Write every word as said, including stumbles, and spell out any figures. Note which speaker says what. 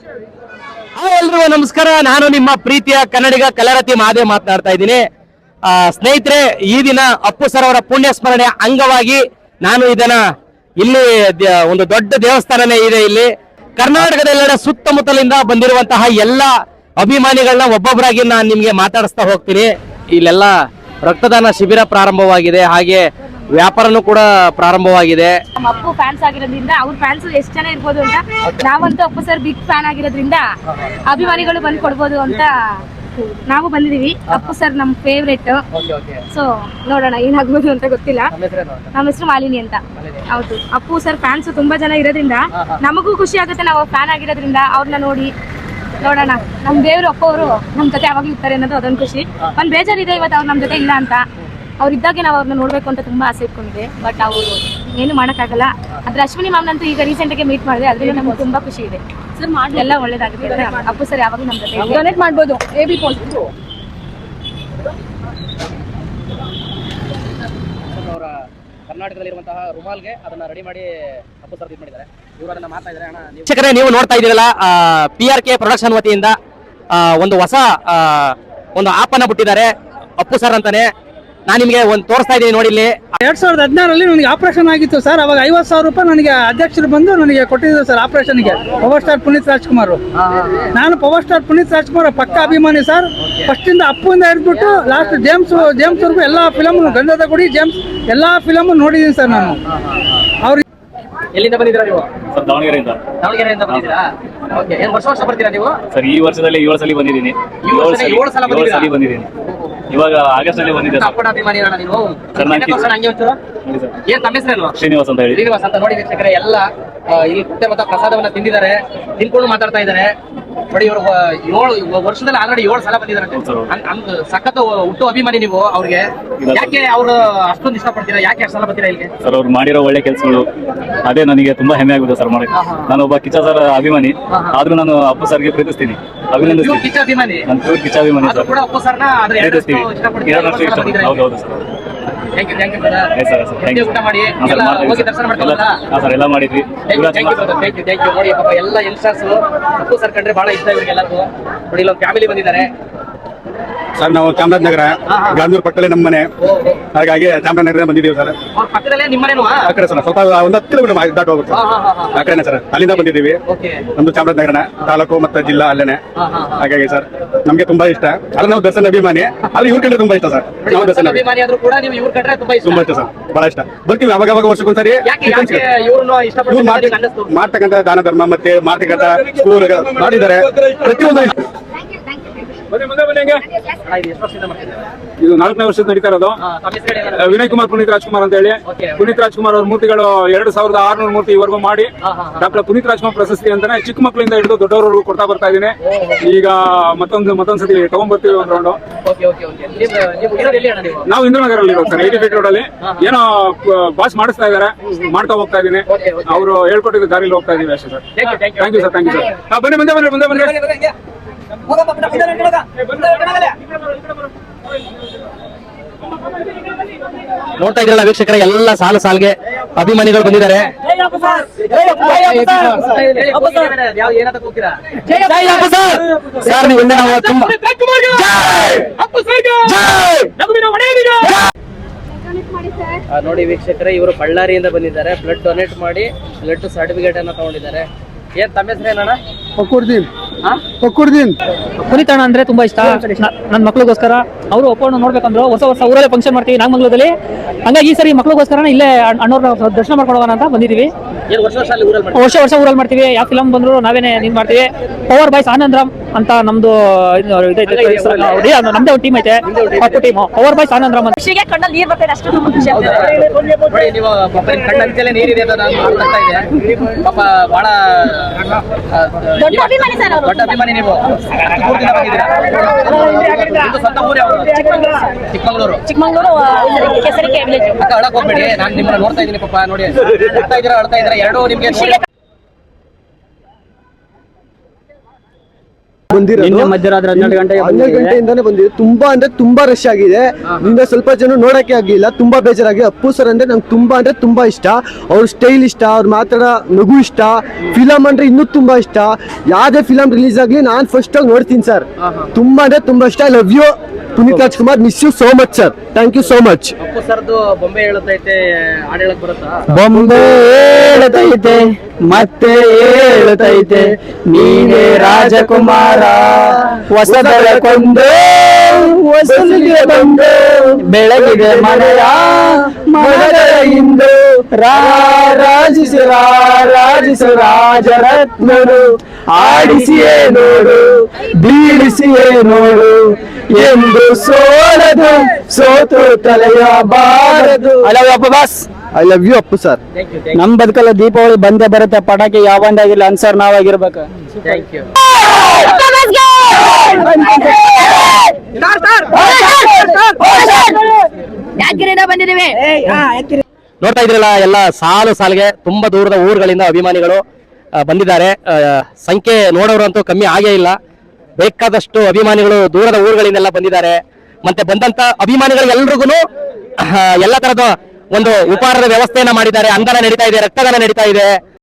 Speaker 1: Hi ಎಲ್ರಿಗೂ ನಮಸ್ಕಾರ. ನಾನು ನಿಮ್ಮ ಪ್ರೀತಿಯ ಕನ್ನಡಿಗ ಕಲರತಿ ಮಹಾದೇವ್ ಮಾತನಾಡ್ತಾ ಇದ್ದೀನಿ. ಸ್ನೇಹಿತರೆ, ಈ ದಿನ ಅಪ್ಪು ಸರ್ ಅವರ ಪುಣ್ಯ ಸ್ಮರಣೆ ಅಂಗವಾಗಿ ನಾನು ಇದನ್ನ ಇಲ್ಲಿ ಒಂದು ದೊಡ್ಡ ದೇವಸ್ಥಾನನೇ ಇದೆ. ಇಲ್ಲಿ ಕರ್ನಾಟಕದೆಲ್ಲೆಡೆ ಸುತ್ತಮುತ್ತಲಿಂದ ಬಂದಿರುವಂತಹ ಎಲ್ಲ ಅಭಿಮಾನಿಗಳನ್ನ ಒಬ್ಬೊಬ್ಬರಾಗಿ ನಾನು ನಿಮ್ಗೆ ಮಾತಾಡಿಸ್ತಾ ಹೋಗ್ತೀನಿ. ಇಲ್ಲೆಲ್ಲ ರಕ್ತದಾನ ಶಿಬಿರ ಪ್ರಾರಂಭವಾಗಿದೆ, ಹಾಗೆ ವ್ಯಾಪಾರನೂ ಕೂಡ ಪ್ರಾರಂಭವಾಗಿದೆ.
Speaker 2: ಅಪ್ಪು ಫ್ಯಾನ್ಸ್ ಆಗಿರೋದ್ರಿಂದ ಅವ್ರ ಫ್ಯಾನ್ಸ್ ಎಷ್ಟು ಜನ ಇರ್ಬೋದು ಅಂತ, ನಾವಂತೂ ಅಪ್ಪು ಸರ್ ಬಿಗ್ ಫ್ಯಾನ್ ಆಗಿರೋದ್ರಿಂದ ಅಭಿಮಾನಿಗಳು ಬಂದು ಕೊಡ್ಬೋದು ಅಂತ ನಾವು ಬಂದಿದೀವಿ. ಅಪ್ಪು ಸರ್ ನಮ್ ಫೇವ್ರೇಟ್. ಸೊ ನೋಡೋಣ ಏನಾಗ್ಬೋದು ಅಂತ ಗೊತ್ತಿಲ್ಲ. ನಮ್ಮ ಹೆಸರು ಮಾಲಿನಿ ಅಂತ. ಹೌದು, ಅಪ್ಪು ಸರ್ ಫ್ಯಾನ್ಸ್ ತುಂಬಾ ಜನ ಇರೋದ್ರಿಂದ ನಮಗೂ ಖುಷಿ ಆಗುತ್ತೆ. ನಾವು ಫ್ಯಾನ್ ಆಗಿರೋದ್ರಿಂದ ಅವ್ರನ್ನ ನೋಡಿ ನೋಡೋಣ. ನಮ್ ದೇವ್ರು ಅಪ್ಪ ಅವರು ನಮ್ ಜೊತೆ ಯಾವಾಗ್ಲೂ ಇರ್ತಾರೆ ಅನ್ನೋದು ಅದೊಂದು ಖುಷಿ. ಒಂದ್ ಬೇಜಾರಿದೆ ಇವತ್ತು ಅವ್ರು ನಮ್ ಜೊತೆ ಇಲ್ಲ ಅಂತ. ಅವ್ರು ಇದ್ದಾಗೆ ನಾವು ಅವ್ರನ್ನ ನೋಡ್ಬೇಕು ಅಂತ ತುಂಬಾ ಆಸೆ ಇಟ್ಕೊಂಡಿದೆ. ಬಟ್ ಅವರು ಏನು ಮಾಡೋಕ್ಕಾಗಲ್ಲ. ಆದ್ರೆ ಅಶ್ವಿನಿ ಮ್ಯಾಮ್ನಂತೂ ಈಗ ರೀಸೆಂಟ್ ಆಗಿ ಮೀಟ್ ಮಾಡಿದೆ, ಅದ್ರಿಂದ ನಮ್ಗೆ ತುಂಬಾ ಖುಷಿ ಇದೆ. ಸರ್ ಮಾಡಿ ಎಲ್ಲ ಒಳ್ಳೇದಾಗುತ್ತೆ. ಅಪ್ಪು ಸರ್ ಯಾವಾಗಲೂ ನಮ್ ಜೊತೆ ಡೊನೇಟ್ ಮಾಡ್ಬೋದು. ಎ ಬಿ ಪಾಸಿಟಿವ್
Speaker 3: ಅವರ ಕರ್ನಾಟಕದಲ್ಲಿರುವಂತಹ ರುಮಾಲ್ಗೆ ಅದನ್ನ ರೆಡಿ ಮಾಡಿ ಅಪ್ಪು ಸರ್ ಇದು ಮಾಡಿದ್ದಾರೆ. ಇವರು ಅದನ್ನ ಮಾಡ್ತಾ ಇದ್ದಾರೆ. ಅಣ್ಣ
Speaker 1: ವೀಕ್ಷಕರೇ, ನೀವು ನೋಡ್ತಾ ಇದ್ದೀರಲ್ಲ, ಪಿ ಆರ್ ಕೆ ಪ್ರೊಡಕ್ಷನ್ ವತಿಯಿಂದ ಒಂದು ಹೊಸ ಒಂದು ಆಪನ್ನ ಬಿಟ್ಟಿದ್ದಾರೆ ಅಪ್ಪು ಸರ್ ಅಂತಾನೆ. ನಾನು ನಿಮಗೆ ಒಂದು ತೋರಿಸ್ತಾ ಇದ್ದೀನಿ ನೋಡಿ. ಇಲ್ಲಿ
Speaker 4: ಎರಡ್ ಸಾವಿರದ ಹದಿನಾರರಲ್ಲಿ ನನಗೆ ಆಪರೇಷನ್ ಆಗಿತ್ತು ಸರ್. ಅವಾಗ ಐವತ್ತು ಸಾವಿರ ರೂಪಾಯಿ ನನಗೆ ಅಧ್ಯಕ್ಷರು ಬಂದು ನನಗೆ ಕೊಟ್ಟಿದ್ರು ಸರ್ ಆಪರೇಷನ್ಗೆ. Power star Puneeth Rajkumar. ನಾನು ಪವರ್ ಸ್ಟಾರ್ ಪುನೀತ್ ರಾಜ್ಕುಮಾರ್ ಪಕ್ಕ ಅಭಿಮಾನಿ ಸರ್. ಫಸ್ಟ್ ಇಂದ ಅಪ್ಪುಂದ ಹಿಡಿದ್ಬಿಟ್ಟು ಲಾಸ್ಟ್ ಜೇಮ್ಸ್ ಜೇಮ್ಸ್ ವರ್ಗು ಎಲ್ಲಾ ಫಿಲಮ್, ಗಂಧದ ಗುಡಿ, ಜೇಮ್ಸ್ ಎಲ್ಲಾ ಫಿಲಮ್ ನೋಡಿದೀನಿ ಸರ್ ನಾನು. ಅವ್ರು
Speaker 3: ಎಲ್ಲಿಂದ ಬಂದಿದ್ದೀರಾ ನೀವು?
Speaker 5: ಸರ್ ದಾವಣಗೆರೆಯಿಂದ.
Speaker 3: ದಾವಣಗೆರೆಯಿಂದ ಬಂದಿದ್ದೀರಾ? ಓಕೆ. ಏನು ವರ್ಷ ವರ್ಷ ಬರ್ತೀರಾ ನೀವು?
Speaker 5: ಸರ್ ಈ ವರ್ಷದಲ್ಲಿ ಏಳು ಸಲ ಬಂದಿದ್ದೀನಿ.
Speaker 3: ಏಳು ಸಲ
Speaker 5: ಬಂದಿದ್ದೀನಿ. ಇವಾಗ ಆಗಸ್ಟ್ ನಲ್ಲಿ ಬಂದಿದ್ದೆ ಸರ್.
Speaker 3: ಅಪ್ಪನ ಅಭಿಮಾನಿ ಅಣ್ಣ ನೀವು?
Speaker 5: ಸರ್ ನಾನು
Speaker 3: ಹಂಗೆ ಒಂಚೂರು ಏನ್ ತಮ್ಮ ಹೆಸರೇನು?
Speaker 5: ಶ್ರೀನಿವಾಸ್ ಅಂತ ಹೇಳಿ.
Speaker 3: ಶ್ರೀನಿವಾಸ್ ಅಂತ. ನೋಡಿ ವೀಕ್ಷಕರೇ, ಎಲ್ಲ ಇಲ್ಲಿ ಕುಟ್ಟೆ ಮತ್ತು ಪ್ರಸಾದವನ್ನ ತಿಂದಿದ್ದಾರೆ, ತಿನ್ಕೊಂಡು ಮಾತಾಡ್ತಾ ಇದ್ದಾರೆ. ನೋಡಿ, ಇವರು ಏಳು ವರ್ಷದಲ್ಲಿ ಆಲ್ರೆಡಿ ಏಳು ಸಲ ಬಂದಿದ್ದಾರೆ. ಸಖತ್ ಹುಟ್ಟು ಅಭಿಮಾನಿ ನೀವು ಅವ್ರಿಗೆ. ಯಾಕೆ ಅವರು ಅಷ್ಟೊಂದು ಇಷ್ಟಪಡ್ತೀರಾ? ಯಾಕೆ ಅಷ್ಟು ಸಲ ಬರ್ತೀರಾ ಇಲ್ಲಿಗೆ?
Speaker 5: ಸರ್ ಅವ್ರು ಮಾಡಿರೋ ಒಳ್ಳೆ ಕೆಲಸಗಳು ಅದೇ ನನಗೆ ತುಂಬಾ ಹೆಮ್ಮೆ ಆಗುತ್ತೆ ಸರ್ ಮಾಡಿ. ನಾನು ಒಬ್ಬ ಕಿಚ್ಚ ಸರ್ ಅಭಿಮಾನಿ, ಆದ್ರೂ ನಾನು ಅಪ್ಪು ಸರ್ಗೆ ಪ್ರೀತಿಸ್ತೀನಿ, ಅಭಿನಂದಿಸ್ತೀನಿ.
Speaker 3: ಕಿಚ್ಚ ಅಭಿಮಾನಿ?
Speaker 5: ನಾನು ಪ್ಯೂರ್ ಕಿಚ್ಚ ಅಭಿಮಾನಿ ಸರ್.
Speaker 3: ಕೂಡ ಅಪ್ಪು ಸರ್ನ
Speaker 5: ಪ್ರೀತಿಸ್ತೀವಿ. ಹೌದೌದು sir.
Speaker 3: Thank you, thank you brother. ಊಟ ಮಾಡಿ ಹೋಗಿ ದರ್ಶನ ಮಾಡ್ಕೊಳ್ಳೋದಾ?
Speaker 5: ಹಾ ಸರ್, ಎಲ್ಲ ಮಾಡಿದ್ವಿ.
Speaker 3: Thank you, thank you, thank you. ನೋಡಿ ಪಾಪ ಎಲ್ಲ ಯಂಗ್ಸ್ಟರ್ಸ್ ಅಪ್ಪು ಸರ್ ಕಂಡ್ರೆ ಬಹಳ ಇಷ್ಟ ಇವರಿಗೆಲ್ಲರಿಗೂ. ನೋಡಿ, ಇಲ್ಲೊಂದು ಫ್ಯಾಮಿಲಿ ಬಂದಿದ್ದಾರೆ
Speaker 6: ಸರ್. ನಾವು ಚಾಮರಾಜನಗರ ಗಾಂಧೂರ್ ಪಕ್ಕದಲ್ಲೇ ನಮ್ಮ ಮನೆ, ಹಾಗಾಗಿ ಚಾಮರಾಜನಗರ ಬಂದಿದ್ದೀವಿ ಸರ್.
Speaker 3: ಅವ್ರ ಪಕ್ಕದಲ್ಲೇ ನಿಮ್ಮ ಮನೆನೂ?
Speaker 6: ಆ ಕಡೆ ಸರ್, ಸ್ವಲ್ಪ ಒಂದು ಹತ್ತು ಕಿಲೋಮೀಟರ್ ದಾಟ ಹೋಗುತ್ತೆ ಆ ಕಡೆನೆ ಸರ್. ಅಲ್ಲಿಂದ ಬಂದಿದ್ದೀವಿ. ನಮ್ದು ಚಾಮರಾಜನಗರ ತಾಲೂಕು ಮತ್ತೆ ಜಿಲ್ಲಾ ಅಲ್ಲೇನೆ. ಹಾಗಾಗಿ ಸರ್ ನಮ್ಗೆ ತುಂಬಾ ಇಷ್ಟ. ಅಲ್ಲಿ ನಾವು ದರ್ಶನ ಅಭಿಮಾನಿ, ಅಲ್ಲಿ ಇವ್ರ ಕಂಡ್ರೆ ತುಂಬಾ ಇಷ್ಟ ಸರ್. ನಾವು ದರ್ಶನ
Speaker 3: ಅಭಿಮಾನಿ ಆದ್ರೂ ಕೂಡ ನೀವು ಇವ್ರ ಕಂಡ್ರೆ ತುಂಬಾ ಇಷ್ಟ?
Speaker 6: ತುಂಬಾ ಇಷ್ಟ ಸರ್, ಬಹಳ ಇಷ್ಟ. ಬರ್ತೀವಿ ಅವಾಗ ಅವಾಗ ವರ್ಷಕ್ಕೊಂದ್ಸರಿ. ಮಾಡ್ತಕ್ಕಂಥ ದಾನ ಧರ್ಮ ಮತ್ತೆ ಮಾಡ್ತಕ್ಕಂಥ ಸ್ಕೂಲ್ ಮಾಡಿದ್ದಾರೆ, ಪ್ರತಿಯೊಂದು ಇಷ್ಟ.
Speaker 7: ಇದು ನಾಲ್ಕನೇ ವರ್ಷದ ನಡೀತಾ ಇರೋದು. ವಿನಯ್ ಕುಮಾರ್ ಪುನೀತ್ ರಾಜ್ಕುಮಾರ್ ಅಂತ ಹೇಳಿ. ಪುನೀತ್ ರಾಜ್ಕುಮಾರ್ ಅವ್ರ ಮೂರ್ತಿಗಳು ಎರಡು ಸಾವಿರದ ಆರ್ನೂರು ಮೂರ್ತಿ ಇವರೆಗೂ ಮಾಡಿ ಡಾಕ್ಟರ್ ಪುನೀತ್ ರಾಜ್ಕುಮಾರ್ ಪ್ರಶಸ್ತಿ ಅಂತಾನೆ ಚಿಕ್ಕ ಮಕ್ಕಳಿಂದ ಹಿಡಿದು ದೊಡ್ಡವರವರೆಗೂ ಕೊಡ್ತಾ ಬರ್ತಾ ಇದೀನಿ. ಈಗ ಮತ್ತೊಂದು ಮತ್ತೊಂದ್ಸತಿ ತಗೊಂಡ್ಬರ್ತೀವಿ ಒಂದು ರೌಂಡ್. ನಾವು ಇಂದ್ರನಗರಲ್ಲಿ ಇರೋದು ಸರ್, ಏಟಿ ಫೀಟ್ ರೋಡ್ ಅಲ್ಲಿ. ಏನೋ ಪಾಸ್ ಮಾಡಿಸ್ತಾ ಇದಾರೆ, ಮಾಡ್ತಾ ಹೋಗ್ತಾ ಇದೀನಿ. ಅವರು ಹೇಳ್ಕೊಟ್ಟಿದ್ದ ದಾರಿಲಿ ಹೋಗ್ತಾ ಇದೀವಿ ಅಷ್ಟೇ sir. Thank you sir, thank you sir. ಬನ್ನಿ, ಮುಂದೆ ಬನ್ನಿ, ಮುಂದೆ ಬನ್ನಿ.
Speaker 1: ನೋಡ್ತಾ ಇದ್ರಲ್ಲ ವೀಕ್ಷಕರ, ಎಲ್ಲ ಸಾಲು ಸಾಲಿಗೆ ಅಭಿಮಾನಿಗಳು ಬಂದಿದ್ದಾರೆ. ಸರ್, ನೀವು ನಾವು ತುಂಬಾ
Speaker 3: ನೋಡಿ ವೀಕ್ಷಕರೇ, ಇವರು ಬಳ್ಳಾರಿಯಿಂದ ಬಂದಿದ್ದಾರೆ. ಬ್ಲಡ್ ಡೊನೇಟ್ ಮಾಡಿ ಬ್ಲಡ್ ಸರ್ಟಿಫಿಕೇಟ್ ಅನ್ನ ತಗೊಂಡಿದ್ದಾರೆ. ಏನ್ ತಮ್ಮ ಹೆಸರು ಏನಣ್ಣ?
Speaker 4: ಪಕ್ಕುರ್ದೀನ್. ಪಕ್ಕುರ್ದೀನ್
Speaker 8: ಪುನೀತ್ ಅಣ್ಣ ಅಂದ್ರೆ ತುಂಬಾ ಇಷ್ಟ. ನನ್ನ ಮಕ್ಳಿಗೋಸ್ಕರ ಅವರು ಒಪ್ಪಣ್ಣ ನೋಡ್ಬೇಕಂದ್ರು ಹೊಸ ವರ್ಷ ಊರಲ್ಲೇ ಫಂಕ್ಷನ್ ಮಾಡ್ತೀವಿ ನಾಗಮಂಗಲದಲ್ಲಿ. ಹಂಗಾಗಿ ಈ ಸರಿ ಮಕ್ಳಿಗೋಸ್ಕರ ಇಲ್ಲೇ ಅಣ್ಣವ್ರ ದರ್ಶನ ಮಾಡ್ಕೊಂಡು ಹೋಗೋಣ ಅಂತ ಬಂದಿದೀವಿ. ವರ್ಷ ವರ್ಷ ಊರಲ್ಲಿ ಮಾಡ್ತೀವಿ. ಯಾವ ಫಿಲಮ್ ಬಂದ್ರು ನಾವೇನೆ ನೀನ್ ಮಾಡ್ತೀವಿ. ಪವರ್ ಬಾಯ್ಸ್ ಆನಂದ್ರಾಮ್ ಅಂತ ನಮ್ದು ನಮ್ದೇ ಒಂದು ಟೀಮ್ ಐತೆ, Pappu team. Power boys Anandram ಅಂತ.
Speaker 2: ಕಣ್ಣಲ್ಲಿ ನೀರ್ ಬರ್ತಾ ಇದೆ, ಅಷ್ಟು ತುಂಬಾ ಖುಷಿ ಆಗ್ತದೆ.
Speaker 3: ನೀವು ಕಣ್ಣಂತಲೇ ನೀರಿದೆ ಅಂತ ನಾನು ಮಾತಾಡ್ತಾ ಇದ್ದೆ. ಪಾಪ ಬಹಳ
Speaker 2: ದೊಡ್ಡ ಅಭಿಮಾನಿ ಸರ್ ಅವರು.
Speaker 3: ದೊಡ್ಡ ಅಭಿಮಾನಿ ನೀವು. ಸ್ವಂತ ಊರು ಯಾವುದು? ಚಿಕ್ಕಮಂಗ್ಳೂರು.
Speaker 2: ಚಿಕ್ಕಮಂಗ್ಳೂರು ಕೆಸರಿಕೆ ವಿಲೇಜ್.
Speaker 3: ಅಕ್ಕ ಅಳಕ್ ಹೋಗ್ಬೇಡಿ, ನಾನು ನಿಮ್ಮನ್ನ ನೋಡ್ತಾ ಇದ್ದೀನಿ. ಪಾಪ ನೋಡಿ, ಅಳ್ತಾ ಇದ್ದೀರಾ ಅಳ್ತಾ ಇದ್ದೀರಾ ಎರಡು ನಿಮ್ಗೆ.
Speaker 9: ಬಂದಿರೋದು
Speaker 8: ಮಧ್ಯರಾತ್ರಿ ಹನ್ನೆರಡು ಗಂಟೆಗೆ
Speaker 9: ಹನ್ನೆರಡು ಗಂಟೆಯಿಂದಾನೇ ಬಂದಿದೆ. ತುಂಬಾ ಅಂದ್ರೆ ತುಂಬಾ ರಶ್ ಆಗಿದೆ. ನಿನ್ನ ಸ್ವಲ್ಪ ಜನ ನೋಡಕ್ಕೆ ಆಗಿಲ್ಲ, ತುಂಬಾ ಬೇಜಾರಾಗಿ. ಅಪ್ಪು ಸರ್ ಅಂದ್ರೆ ನಂಗೆ ತುಂಬಾ ಅಂದ್ರೆ ತುಂಬಾ ಇಷ್ಟ. ಅವ್ರ ಸ್ಟೈಲ್ ಇಷ್ಟ, ಅವ್ರ ಮಾತಾಡೋ ನಗು ಇಷ್ಟ. ಫಿಲಮ್ ಅಂದ್ರೆ ಇನ್ನೂ ತುಂಬಾ ಇಷ್ಟ. ಯಾವ್ದೇ ಫಿಲಮ್ ರಿಲೀಸ್ ಆಗ್ಲಿ ನಾನ್ ಫಸ್ಟ್ ಆಗಿ ನೋಡ್ತೀನಿ ಸರ್. ತುಂಬಾ ಅಂದ್ರೆ ತುಂಬಾ ಇಷ್ಟ. I love you Puneeth Rajkumar. Miss you so much sir. Thank you so much.
Speaker 3: Appu ಸರ್ದು ಬೊಂಬೆ ಹೇಳುತ್ತೈತೆ ಹಾಡು ಹೇಳಕ್ ಬರುತ್ತಾ?
Speaker 8: ಬೊಂಬೆ ಹೇಳುತ್ತೈತೆ ಮತ್ತೆ ಹೇಳುತ್ತೈತೆ ನೀನೇ ರಾಜಕುಮಾರ, ಹೊಸ ಬೆಳಕೊಂದು ಹೊಸಲಿಗೆ ಬಂದು ಬೆಳಗಿದೆ ಮನೆಯ ಮನಗಳ ಇಂದು ರಾರಾಜಿಸಿ ರಾರಾಜಿಸು ರಾಜರತ್ನರು ಆಡಿಸಿಯೇ ನೋಡು ಬೀಳಿಸಿಯೇ ನೋಡು ಎಂದು ಸೋಲದು ಸೋತು ತಲೆಯ ಬಾರದು. ಅಲ್ಲ ಅಪ್ಪ boss,
Speaker 9: I love you Appu sir.
Speaker 8: ನಮ್ ಬದುಕಲ್ಲ ದೀಪಾವಳಿ ಬಂದೇ ಬರುತ್ತೆ. ಪಟಾಕಿ ಯಾವಂದಾಗಿಲ್ಲ ಅನ್ಸರ್ ನಾವಾಗಿರ್ಬೇಕು.
Speaker 3: Thank you.
Speaker 2: ಬಂದಿದ್ದೀವಿ.
Speaker 1: ನೋಡ್ತಾ ಇದ್ರಲ್ಲ, ಎಲ್ಲ ಸಾಲು ಸಾಲಿಗೆ ತುಂಬಾ ದೂರದ ಊರುಗಳಿಂದ ಅಭಿಮಾನಿಗಳು ಆ, ಬಂದಿದ್ದಾರೆ. ಆ, ಸಂಖ್ಯೆ ನೋಡೋರಂತೂ ಕಮ್ಮಿ ಆಗೇ ಇಲ್ಲ. ಬೇಕಾದಷ್ಟು ಅಭಿಮಾನಿಗಳು ದೂರದ ಊರುಗಳಿಂದೆಲ್ಲ ಬಂದಿದ್ದಾರೆ. ಮತ್ತೆ ಬಂದಂತ ಅಭಿಮಾನಿಗಳಿಗೆಲ್ರಿಗೂ ಎಲ್ಲ ತರದ ಒಂದು ಉಪಹಾರದ ವ್ಯವಸ್ಥೆಯನ್ನ ಮಾಡಿದ್ದಾರೆ. ಅನ್ನದಾನ ನಡೀತಾ ಇದೆ, ರಕ್ತದಾನ ನಡೀತಾ ಇದೆ.